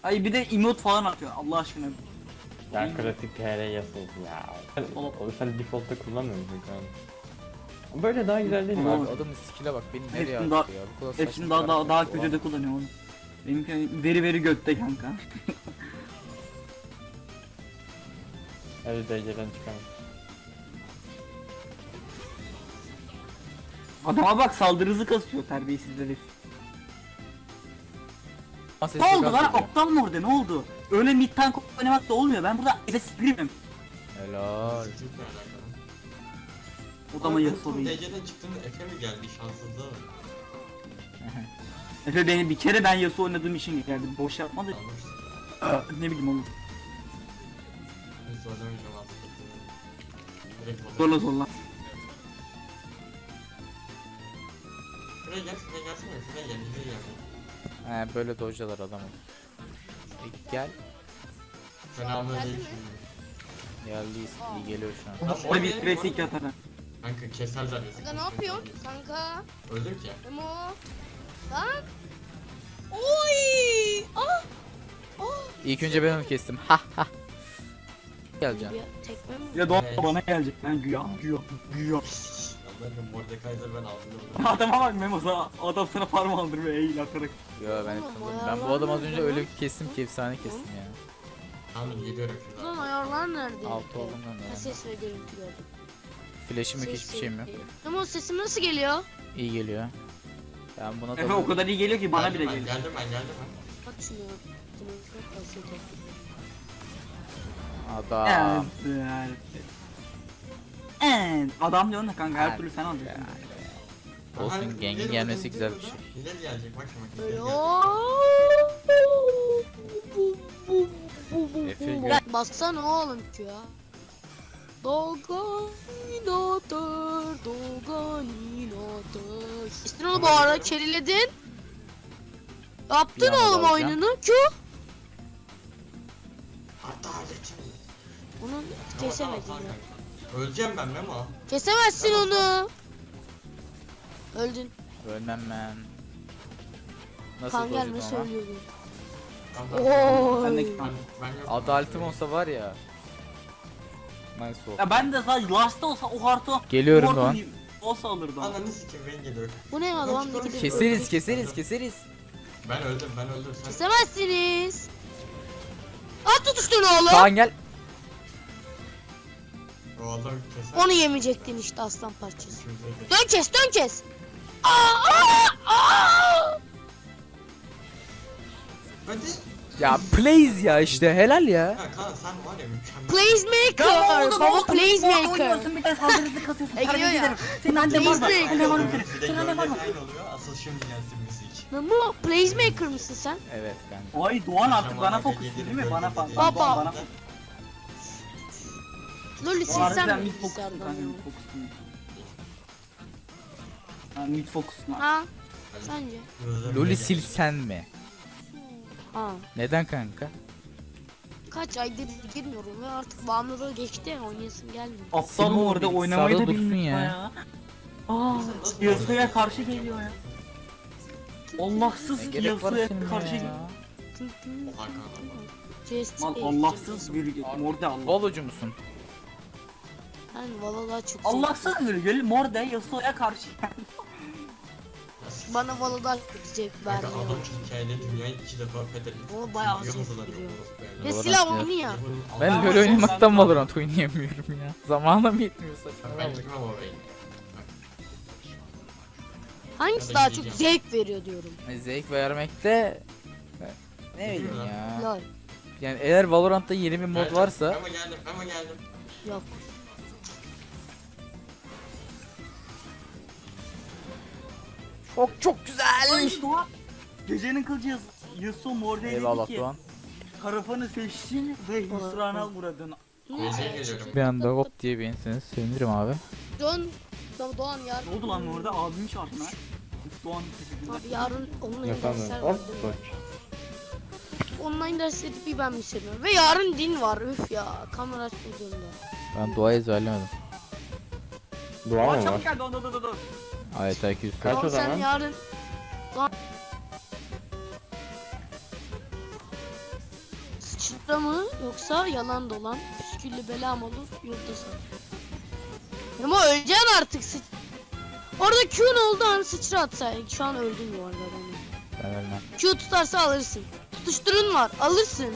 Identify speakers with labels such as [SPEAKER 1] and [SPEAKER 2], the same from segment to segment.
[SPEAKER 1] Ay bir de emote falan atıyor Allah aşkına.
[SPEAKER 2] Ya klasik TR Yasuo'su ya. Sen default'ta kullanmıyor musun kanka? Böyle daha güzel değil mi abi?
[SPEAKER 3] Adamın skill'e bak beni nereye
[SPEAKER 1] Hepsini
[SPEAKER 3] attı ya. Bu kadar saçma
[SPEAKER 1] hepsini
[SPEAKER 3] bir
[SPEAKER 1] daha
[SPEAKER 3] hareket
[SPEAKER 1] kötü de
[SPEAKER 3] olamaz.
[SPEAKER 1] kullanıyor onu. Benimki veri götte kanka.
[SPEAKER 2] Hadi dereceden çıkalım.
[SPEAKER 1] Adama bak saldırı hızı kasıyor terbiyesiz herif.
[SPEAKER 3] Sesi
[SPEAKER 1] Ne oldu
[SPEAKER 3] çok
[SPEAKER 1] lan?
[SPEAKER 3] az geliyor.
[SPEAKER 1] Aptal mı orada? Ne oldu? Öyle mid tank oynamak da olmuyor. Ben burada Efe Scream'im.
[SPEAKER 3] Helal.
[SPEAKER 4] Çok alakalı.
[SPEAKER 1] Odama
[SPEAKER 4] Abi,
[SPEAKER 1] Yasuo'yu.
[SPEAKER 4] DC'den çıktığında Efe mi geldi şanssızlığa bak.
[SPEAKER 1] Efe beni bir kere ben Yasuo oynadığım için geldi. Boş yapma da
[SPEAKER 4] Almışsın.
[SPEAKER 1] ne bileyim oğlum.
[SPEAKER 4] Biz zorlamayacağım artık. Direkt olur.
[SPEAKER 1] Zorla zorla.
[SPEAKER 4] Şuraya gel, şuraya gelsene. Şuraya gel, şuraya gel.
[SPEAKER 3] He böyle dojlar adamı. Gel.
[SPEAKER 4] Selamünaleyküm.
[SPEAKER 3] Geldiyiz. İyi geliyor şu an.
[SPEAKER 4] Lan
[SPEAKER 1] Orada bir
[SPEAKER 4] oraya
[SPEAKER 1] klasik yatar.
[SPEAKER 4] Kanka keserler ya.
[SPEAKER 5] Kanka ne yapıyorsun? Kanka.
[SPEAKER 4] Öldüm ki.
[SPEAKER 5] Memo. Lan. Oy. Ah. Ah.
[SPEAKER 3] İlk önce ben onu kestim. Ha ha. Geleceğim.
[SPEAKER 5] Bir tekme mi?
[SPEAKER 1] Ya Doğan
[SPEAKER 4] Evet.
[SPEAKER 1] bana gelecek. Ben güya.
[SPEAKER 4] Allah'ım Mordekaiser ben aldım.
[SPEAKER 1] Adama bak Memo sana. Adam sana farm aldırmıyor eğil atarak.
[SPEAKER 3] Yo ben hep tanıdım. Ben bu adamı az önce öyle bir kestim ki efsane kestim ya.
[SPEAKER 4] Tamam geliyorum
[SPEAKER 5] Lan
[SPEAKER 4] şuradan.
[SPEAKER 5] ayarlar nerede?
[SPEAKER 3] Altı oldum ben
[SPEAKER 5] Ha,
[SPEAKER 3] de.
[SPEAKER 5] ses ve görüntü gördüm.
[SPEAKER 3] Flash'im yok hiçbir şeyim yok.
[SPEAKER 5] Memo sesim nasıl geliyor?
[SPEAKER 3] İyi geliyor. Ben buna
[SPEAKER 1] Efe o kadar iyi geliyor ki bana bile
[SPEAKER 4] Geldim
[SPEAKER 1] geliyor.
[SPEAKER 4] ben geldim.
[SPEAKER 5] Bak şunu. Bunu kasete.
[SPEAKER 3] Adam.
[SPEAKER 1] Evet. Adam diyorsun da kanka her türlü sen alacaksın.
[SPEAKER 3] Olsun gengin gelmesi güzel bir şey.
[SPEAKER 4] Hilal gelecek bak şimdi.
[SPEAKER 5] Böyle
[SPEAKER 4] Hilal
[SPEAKER 3] Efe gör.
[SPEAKER 5] baksana oğlum ki ya. Doganinator, Doganinator. İstin onu bu arada keriledin. Yaptın
[SPEAKER 3] Bir anda
[SPEAKER 5] oğlum
[SPEAKER 3] dalacağım.
[SPEAKER 5] oyununu. Q.
[SPEAKER 4] Adaletim.
[SPEAKER 5] Onu kesemedin ya.
[SPEAKER 4] Öleceğim ben Memo.
[SPEAKER 5] Kesemezsin onu. Öldün.
[SPEAKER 3] Ölmem ben. Nasıl
[SPEAKER 5] Kan gelme
[SPEAKER 3] dojladım ama?
[SPEAKER 5] söylüyordun.
[SPEAKER 4] Tamam,
[SPEAKER 1] Ben de
[SPEAKER 5] Oy.
[SPEAKER 4] ben yok.
[SPEAKER 3] Adaletim olsa var ya. Nice oldu.
[SPEAKER 1] Ya ben de sadece Last'ta olsa o harita
[SPEAKER 3] Geliyorum
[SPEAKER 1] o harita
[SPEAKER 3] Doğan.
[SPEAKER 1] olsa alırdım.
[SPEAKER 4] Ananı sikeyim ben geliyorum.
[SPEAKER 5] Bu ne adam ne gidiyor?
[SPEAKER 3] Keseriz.
[SPEAKER 4] Ben öldüm sen.
[SPEAKER 5] Kesemezsiniz. At tutuştun oğlum.
[SPEAKER 3] Kaan gel.
[SPEAKER 4] Oğlum keser.
[SPEAKER 5] Onu yemeyecektin işte aslan parçası.
[SPEAKER 4] İşimize geç.
[SPEAKER 5] Dön kes. Aa!
[SPEAKER 4] Hadi.
[SPEAKER 3] Ya please ya işte helal ya.
[SPEAKER 4] Ya Kaan sen var ya mükemmel.
[SPEAKER 5] Placemaker. Baba placemaker.
[SPEAKER 1] Oynuyorsun bir de saldırısı kasıyorsun.
[SPEAKER 5] Geliyor
[SPEAKER 1] Terbiyesiz
[SPEAKER 5] ya.
[SPEAKER 1] herif. Senin annen var mı?
[SPEAKER 5] Placemaker.
[SPEAKER 1] Annen var mı senin?
[SPEAKER 4] Bir de
[SPEAKER 1] Senin annen var mı?
[SPEAKER 4] gölge aynı oluyor. Asıl şimdi gelsin müzik.
[SPEAKER 5] Lan bu placemaker mısın sen?
[SPEAKER 3] Evet kanka.
[SPEAKER 1] Ay Doğan artık bana
[SPEAKER 4] Akşam
[SPEAKER 1] fokus
[SPEAKER 4] yedim,
[SPEAKER 1] değil mi? Bana
[SPEAKER 4] gölge
[SPEAKER 1] falan.
[SPEAKER 4] yedim.
[SPEAKER 5] Baba.
[SPEAKER 1] Bana fokus.
[SPEAKER 5] Loli
[SPEAKER 1] Doğan
[SPEAKER 5] silsen
[SPEAKER 1] harbiden
[SPEAKER 5] mi
[SPEAKER 1] mid fokusun
[SPEAKER 5] bilgisayardan
[SPEAKER 1] kanka
[SPEAKER 5] ya?
[SPEAKER 1] mid fokusun. Ha mid fokusun.
[SPEAKER 5] Ha? Sence?
[SPEAKER 3] Loli silsen mi?
[SPEAKER 5] Ha.
[SPEAKER 3] Neden kanka?
[SPEAKER 5] Kaç aydır girmiyorum ve artık bağımlılığı geçti ya oynayasım gelmiyor.
[SPEAKER 1] Aptal
[SPEAKER 3] Sim
[SPEAKER 1] mı orada
[SPEAKER 3] bilgisayarda
[SPEAKER 1] oynamayı da
[SPEAKER 3] dursun
[SPEAKER 1] bilmiyor
[SPEAKER 3] ya.
[SPEAKER 1] ya. Aa, Yasuo'ya karşı geliyor ya. Allahsız
[SPEAKER 3] Ne gerek var
[SPEAKER 1] Yasuo'ya
[SPEAKER 3] senin
[SPEAKER 1] karşı
[SPEAKER 3] ya?
[SPEAKER 1] geliyor. Lan Allahsız bir morde Allah.
[SPEAKER 3] Valocu musun?
[SPEAKER 5] Ben valla daha çok
[SPEAKER 1] Allahsız bir morde Yasuo'ya karşı.
[SPEAKER 5] Bana valla daha çok zevk
[SPEAKER 4] Kanka
[SPEAKER 5] vermiyor.
[SPEAKER 4] adam hikayede dünyayı 2 defa fethetmiş.
[SPEAKER 5] O bayağı
[SPEAKER 4] Biliyor
[SPEAKER 5] zevk
[SPEAKER 4] musun lan
[SPEAKER 5] veriyor.
[SPEAKER 4] bu orospu
[SPEAKER 5] Ve
[SPEAKER 4] evladı?
[SPEAKER 5] silah
[SPEAKER 3] ya.
[SPEAKER 5] oyunu ya.
[SPEAKER 3] Ben
[SPEAKER 1] Ben
[SPEAKER 3] LoL
[SPEAKER 1] de
[SPEAKER 3] oynamaktan
[SPEAKER 1] sen-
[SPEAKER 3] Valorant oynayamıyorum ya. Zamanım yetmiyor
[SPEAKER 4] Ben
[SPEAKER 3] saçmalama.
[SPEAKER 4] girmem oraya.
[SPEAKER 5] Hangisi
[SPEAKER 4] Ben de
[SPEAKER 5] daha çok
[SPEAKER 4] gideceğim.
[SPEAKER 5] zevk veriyor diyorum.
[SPEAKER 3] Zevk vermekte ne bileyim
[SPEAKER 4] Bilmiyorum
[SPEAKER 3] ya.
[SPEAKER 5] Lol.
[SPEAKER 3] Yani eğer Valorant'ta yeni bir mod varsa
[SPEAKER 4] Ama geldim.
[SPEAKER 5] Yok.
[SPEAKER 3] çok güzel.
[SPEAKER 1] Ay Doğan. Gecenin kılıcı Yasuo morde
[SPEAKER 3] Eyvallah
[SPEAKER 1] dedi ki
[SPEAKER 3] Doğan.
[SPEAKER 1] karafanı seçtin ve hüsrana uğradın.
[SPEAKER 4] Geceye geliyorum.
[SPEAKER 3] Bir anda hop diye beğenirseniz sevinirim abi.
[SPEAKER 5] Doğan yarın.
[SPEAKER 1] Ne oldu lan orada abim çarptı lan. Doğan teşekkürler.
[SPEAKER 5] Abi yarın online dersler var değil mi? Online dersleri bir ben mi seviyorum. Ve yarın din var üf ya. Kamera açmadığında.
[SPEAKER 3] Ben duayı ezberlemedim.
[SPEAKER 1] Doğan çabuk gel dur.
[SPEAKER 3] Ayet 200.
[SPEAKER 2] Kaç
[SPEAKER 5] Doğan
[SPEAKER 2] o
[SPEAKER 5] sen
[SPEAKER 2] zaman?
[SPEAKER 5] yarın. sıçra mı yoksa yalan dolan püsküllü bela mı olur yurtta sar. Ama öleceksin artık Orada Q'un oldu an sıçra atsaydın. Şu an öldüm bu arada ben.
[SPEAKER 3] Ben ölmem.
[SPEAKER 5] Q tutarsa alırsın. Tutuşturun var alırsın.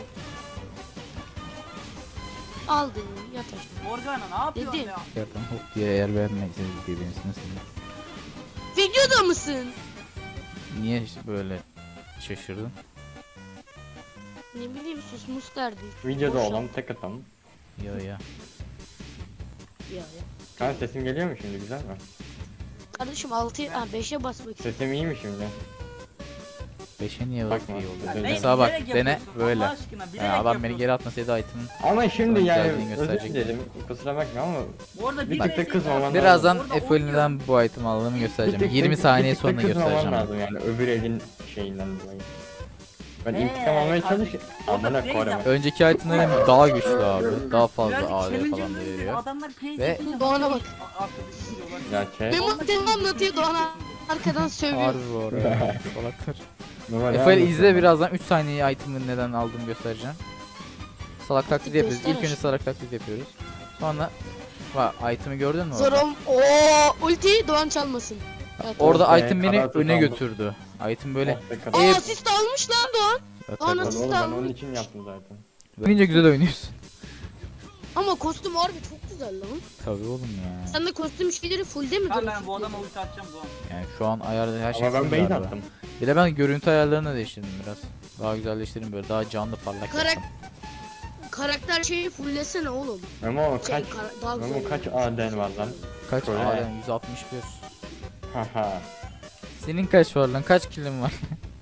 [SPEAKER 5] Aldın yat aşağı.
[SPEAKER 1] Morgana ne yapıyorsun
[SPEAKER 5] Dedim.
[SPEAKER 1] ya?
[SPEAKER 3] Yerden hop diye eğer beğenmeyseniz birbirinizi nasıl?
[SPEAKER 5] Videoda mısın?
[SPEAKER 3] Niye böyle şaşırdın?
[SPEAKER 5] Ne bileyim susmuş derdi.
[SPEAKER 2] Videoda
[SPEAKER 5] Boşa.
[SPEAKER 2] olan tek adam.
[SPEAKER 3] Ya ya.
[SPEAKER 5] Ya ya.
[SPEAKER 2] Kan sesim geliyor mu şimdi, güzel mi?
[SPEAKER 5] Kardeşim 6'ya 5'e basmak için.
[SPEAKER 2] Sesim iyi mi şimdi?
[SPEAKER 3] 5'e niye
[SPEAKER 2] Bakma.
[SPEAKER 3] iyi oldu?
[SPEAKER 2] Ya
[SPEAKER 1] ne-
[SPEAKER 3] Mesela bak
[SPEAKER 1] bilerek
[SPEAKER 3] dene
[SPEAKER 1] yapıyorsun,
[SPEAKER 3] böyle.
[SPEAKER 1] Allah aşkına, bilerek
[SPEAKER 3] Ya adam beni
[SPEAKER 1] yapıyorsun.
[SPEAKER 3] geri atmasaydı item'ın.
[SPEAKER 2] Ama şimdi
[SPEAKER 3] Sonra
[SPEAKER 2] yani
[SPEAKER 3] güzelliğini
[SPEAKER 2] özür
[SPEAKER 3] gösterecek.
[SPEAKER 2] dilerim, kusura bakma ama
[SPEAKER 1] Orada
[SPEAKER 2] bir tık da kızmaman
[SPEAKER 3] Birazdan
[SPEAKER 1] Orada
[SPEAKER 3] F elinden bu item aldığımı
[SPEAKER 2] bir
[SPEAKER 3] göstereceğim.
[SPEAKER 2] tık-
[SPEAKER 3] 20
[SPEAKER 2] bir
[SPEAKER 3] saniye
[SPEAKER 2] tık da
[SPEAKER 3] sonra
[SPEAKER 2] kızmaman
[SPEAKER 3] göstereceğim.
[SPEAKER 2] lazım yani öbür elin şeyinden dolayı. Ben
[SPEAKER 1] Ee,
[SPEAKER 2] intikam almaya
[SPEAKER 1] kardeşim,
[SPEAKER 2] çalışıyorum.
[SPEAKER 1] orada
[SPEAKER 2] Amına
[SPEAKER 1] Feyza-
[SPEAKER 2] koyarım.
[SPEAKER 3] Önceki itemlerim daha güçlü abi. Daha fazla
[SPEAKER 1] Birazcık
[SPEAKER 3] AD
[SPEAKER 1] challenge'ın
[SPEAKER 3] falan da
[SPEAKER 1] önünde
[SPEAKER 3] veriyor.
[SPEAKER 1] Adamlar plays
[SPEAKER 3] Ve-
[SPEAKER 1] yapınca
[SPEAKER 5] Doğan'a bak.
[SPEAKER 1] arkadaşım diyorlar.
[SPEAKER 2] Ya şey.
[SPEAKER 5] Benim telefon anlatıyor Doğan'a arkadan sövüyor.
[SPEAKER 3] Harbi bu arada. Salaklar.
[SPEAKER 2] Normal
[SPEAKER 3] Efel
[SPEAKER 2] anlatıyorum
[SPEAKER 3] izle
[SPEAKER 2] ben.
[SPEAKER 3] birazdan 3 saniye item'ın neden aldığımı göstereceğim. Salak taklidi yapıyoruz. İlk önce
[SPEAKER 5] Göster.
[SPEAKER 3] salak taklidi yapıyoruz. Sonra bak item'i gördün mü orada?
[SPEAKER 5] Zorom. Ooo ulti Doğan çalmasın. Evet,
[SPEAKER 3] Orada
[SPEAKER 2] Orada
[SPEAKER 3] item beni
[SPEAKER 2] karartı
[SPEAKER 3] öne
[SPEAKER 2] aldım.
[SPEAKER 3] götürdü. Item böyle
[SPEAKER 2] Oh be
[SPEAKER 5] Aa
[SPEAKER 2] kadar.
[SPEAKER 5] asist almış lan Doğan. Doğan
[SPEAKER 3] tabii.
[SPEAKER 5] asist
[SPEAKER 2] Oğlum ben
[SPEAKER 5] almış.
[SPEAKER 2] onun için yaptım zaten.
[SPEAKER 3] Oyunca güzel oynuyorsun.
[SPEAKER 5] Ama kostüm harbi çok güzel lan.
[SPEAKER 3] Tabii oğlum ya.
[SPEAKER 5] Sen de kostüm şeyleri fullde mi
[SPEAKER 1] Ben
[SPEAKER 5] duruyorsun?
[SPEAKER 1] bu adama ulti atacağım Doğan.
[SPEAKER 3] Yani şu an ayarda her şey
[SPEAKER 2] Ama ben
[SPEAKER 3] full
[SPEAKER 2] bait
[SPEAKER 3] galiba.
[SPEAKER 2] attım.
[SPEAKER 3] Bir de ben görüntü ayarlarını da değiştirdim biraz. Daha güzelleştirdim böyle daha canlı parlak
[SPEAKER 5] Karak-
[SPEAKER 3] yaptım.
[SPEAKER 5] Karakter şeyi fulllesene oğlum.
[SPEAKER 2] Memo
[SPEAKER 5] Şey,
[SPEAKER 2] kaç
[SPEAKER 5] daha
[SPEAKER 2] Memo
[SPEAKER 5] güzel
[SPEAKER 2] kaç
[SPEAKER 5] oynuyor.
[SPEAKER 2] AD'n var lan?
[SPEAKER 3] Kaç?
[SPEAKER 2] Öyle.
[SPEAKER 3] Aa 161.
[SPEAKER 2] Haha.
[SPEAKER 3] Senin kaç var lan? Kaç kilin var?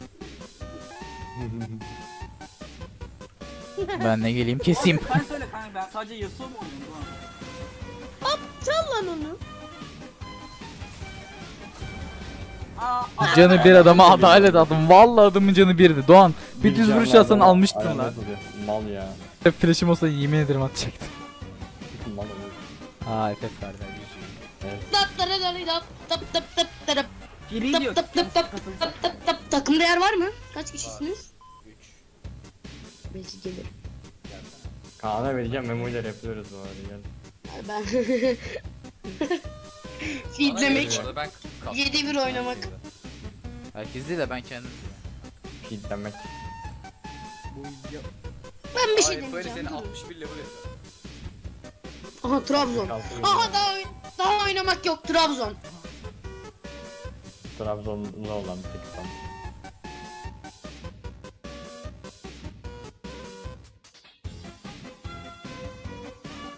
[SPEAKER 3] Ben ne geleyim keseyim.
[SPEAKER 1] Sen söyle kanka, ben sadece Yasuo mu oynuyorum Doğan?
[SPEAKER 5] Çal lan onu.
[SPEAKER 1] Aa,
[SPEAKER 3] Canı bir adama adalet adım. Vallahi adamın canı birdi. Doğan bir düz vuruş atsan almıştın
[SPEAKER 2] Ayağına
[SPEAKER 3] lan.
[SPEAKER 2] duruyor. Mal ya.
[SPEAKER 3] Flash'im olsa yemin ederim atacaktım.
[SPEAKER 2] Mal olur.
[SPEAKER 3] Ha efekt verdi.
[SPEAKER 5] Tap tara tara tap tap tap tap tara
[SPEAKER 1] Free diyor.
[SPEAKER 5] tap tap tap
[SPEAKER 1] Kasılsın.
[SPEAKER 5] tap tap tap. Takımda yer var mı? Kaç kişisiniz? 3. Belki gelir.
[SPEAKER 2] Kaan'a vereceğim, Memo ile yapıyoruz bu arada. Gel.
[SPEAKER 5] Ben feedlemek,
[SPEAKER 3] Ben
[SPEAKER 5] 7-1 oynamak.
[SPEAKER 3] Herkes değil de ben kendim.
[SPEAKER 2] Feedlemek.
[SPEAKER 5] Ben bir şey demeyeceğim. durun.
[SPEAKER 3] 61 level yapıyor.
[SPEAKER 5] Aha Trabzon. Aha daha oynamak yok Trabzon.
[SPEAKER 2] Trabzonlu olan bir tek adam.